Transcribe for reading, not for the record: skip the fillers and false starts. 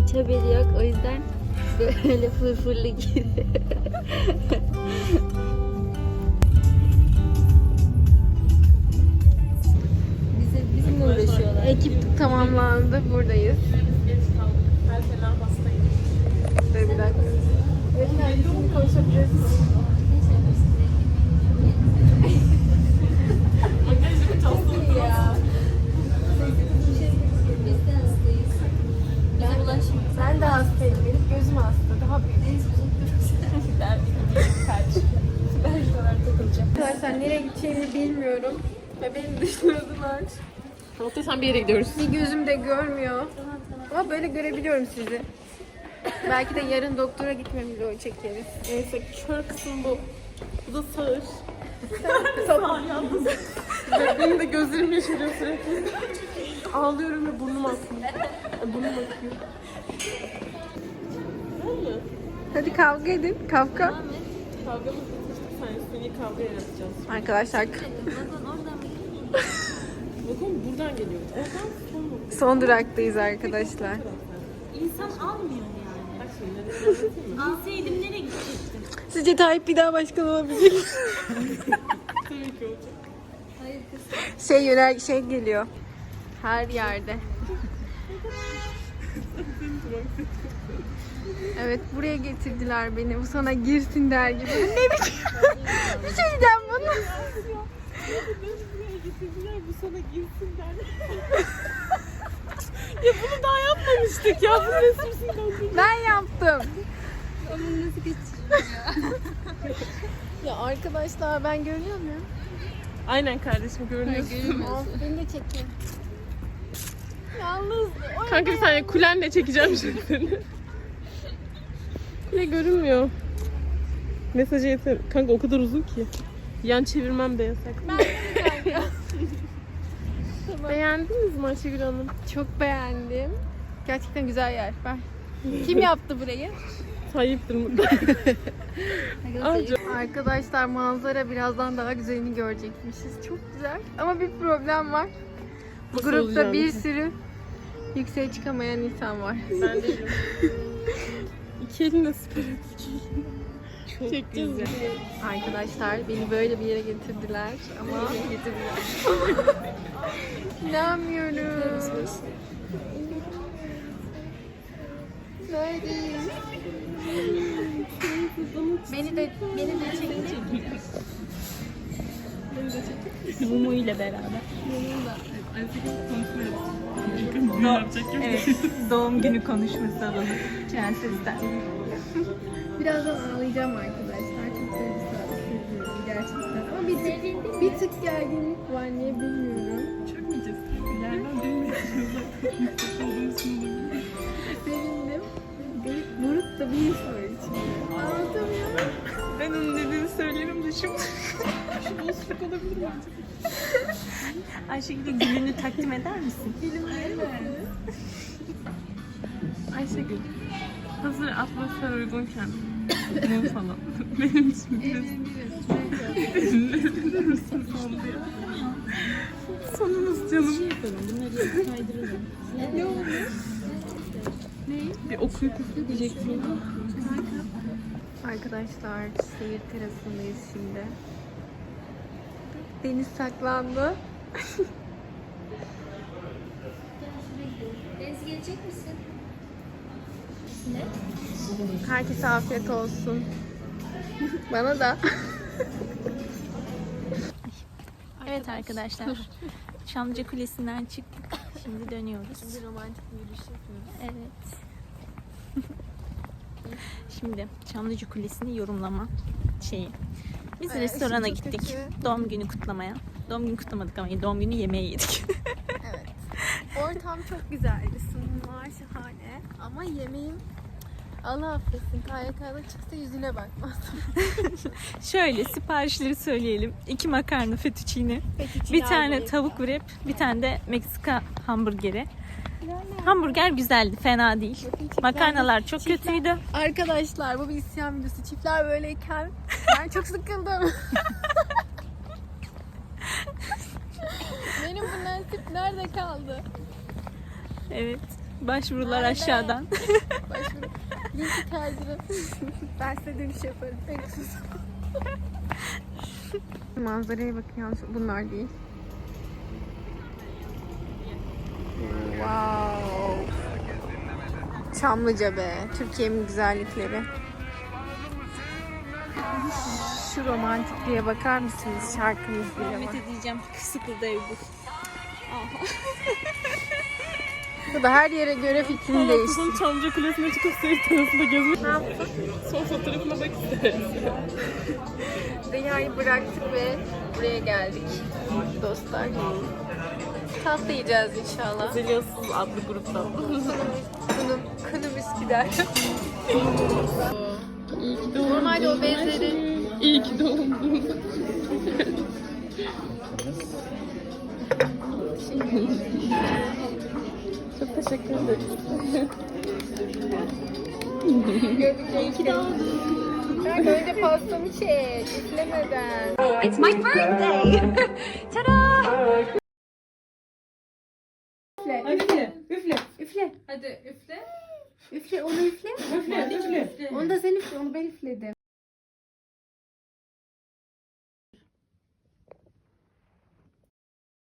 hiç haberi yok. O yüzden böyle fırfırlı gibi. Bizimle uğraşıyorlar. Ekip tamamlandı. Buradayız. Dur bir dakika. Şimdi konuşabiliriz. Biz de hastayız. Bize ulaşmıyor. Ben de hastayım. Benim gözüm hasta. Daha büyük. Arkadaşlar nereye gideceğimi bilmiyorum. Ve beni dışladılar. Muhteşem bir yere gidiyoruz. Bir gözüm de görmüyor. Ama böyle görebiliyorum sizi. Belki de yarın doktora gitme vlogu çekeriz. Neyse kör kısım bu. Bu da sağır. Benim de gözlerim yaşarıyor sürekli. Ağlıyorum ve burnum akıyor. Burnum akıyor. Hadi kavga edin. Kavga. Kavgamız bitmişti. Seni kavga yaratacağız. Arkadaşlar Bakın oradan mı? Bakın buradan geliyor. Oradan son mu? son duraktayız arkadaşlar. İnsan almıyor yani. Bak şimdi ne anlatayım mı? Alsaydım nereye gidecektim? Sizce Tayyip bir daha başkan olabilir mi? Tabii ki olacak. Hayır kız. Şey geliyor. Her yerde. Evet buraya getirdiler beni. Bu sana girsin der gibi. Bu ne biçim? Bir şey diyeceğim bunu. Buraya getirdiler bu sana girsin der. Ya bunu daha yapmamıştık ya. Bu resimsinden. Ben yaptım. Ama nasıl geçiyor ya? Ya arkadaşlar ben görüyor muyum? Aynen kardeşim görünüyorsun. Of, beni de çekin. Yalnız. Kanka bir saniye kulenle çekeceğim şimdi seni. Kule görünmüyor. Mesajı yeter. Kanka o kadar uzun ki. Yan çevirmem de yasak. Beğendiniz mi Ayşegül Hanım? Çok beğendim. Gerçekten güzel yer. Ben. Kim yaptı burayı? Tayyip'tir mutlaka. Anca. Arkadaşlar manzara birazdan daha güzelini görecekmişiz. Çok güzel. Ama bir problem var. Bu Nasıl grupta olacağını? bir sürü yükseğe çıkamayan insan var. Ben değilim. İki elimle süper Çok çekeceğiz güzel. Arkadaşlar beni böyle bir yere getirdiler ama İnanmıyorum. Neredeyiz? Beni de çekin. Mumu ile beraber. Evet, doğum günü konuşması alalım. Prenses'ten. Birazdan ağlayacağım arkadaşlar. Çok duygusal gerçekten. Ama bir tık gerginlik var. Niye bilmiyorum. Çökmeyeceğiz. İleriden bilmiyorsunuz. Sevindim. Garip buruk da bir his var içinde. Anlatamıyorum. Ben onun dediğini söylerim de şimdi. Şu boşluk olabilir mi acaba? Ayşegül'e gülünü takdim eder misin? Ayşegül. Hazır atmosfer uygunken. Mum falan. Benim için biraz. Eğlenir misin sonunda ya? Sonumuz canım. Bunları kaydırırım. Ne oldu? Bir okuyup üfleyeceksin. Arkadaşlar seyir terasındayız şimdi. Deniz saklandı. Deniz gelecek misin? Ne? Herkese afiyet olsun. Bana da. Evet arkadaşlar. Çamlıca Kulesi'nden çıktık. Şimdi dönüyoruz. Şimdi romantik bir yürüyüş yapıyoruz. Evet. Şimdi Çamlıca Kulesi'ni yorumlama şeyi. Biz Ay, restorana çok gittik. kötü. Doğum günü kutlamaya. Doğum günü kutlamadık ama doğum günü yemeği yedik. Evet. Ortam çok güzeldi. Sunumlar şahane. Ama yemeğim Allah affetsin. KYK'da çıksa yüzüne bakmazdım. Şöyle siparişleri söyleyelim. 2 makarna fettuccine, Fettuccine bir tane almayı. tavuk wrap, bir tane de Meksika hamburgeri. Hamburger güzeldi, fena değil. Makarnalar çok kötüydü. Arkadaşlar bu bir isyan videosu. Çiftler böyleyken ben çok sıkıldım. Benim bu nasip nerede kaldı? Evet. Başvurular aşağıdan. Başvuru. Linki kaydırın. Ben size dönüş yaparım. En kısası. Manzaraya bakın yalnız bunlar değil. Wow. Çamlıca be. Türkiye'nin güzellikleri. Şu romantikliğe bakar mısınız? Şarkımız bile var. Rahmet edeceğim. Sıkıldı ev bu. Bu da her yere göre fikrini değişti. Çamlıca Kulesi'ne çıkıp seyir terasında gezmek. Ne yaptın? Son fotoğrafına bak isteriz. Dünyayı bıraktık ve buraya geldik dostlar. Tatlı yiyeceğiz inşallah. Zelyasız adlı gruptan. Kınım Üsküdar. İyi ki doğdun. Normalde o bezleri İyi ki doğdun. Çok teşekkür ederiz. iyi ki doğdun. Ben önce pastamı çek, üflemeden. It's my birthday. Tada! Üfle, üfle. Üfle. Hadi üfle. Üfle, onu üfle. Üfle, üfle. Onu da sen üfle, onu ben üfledim.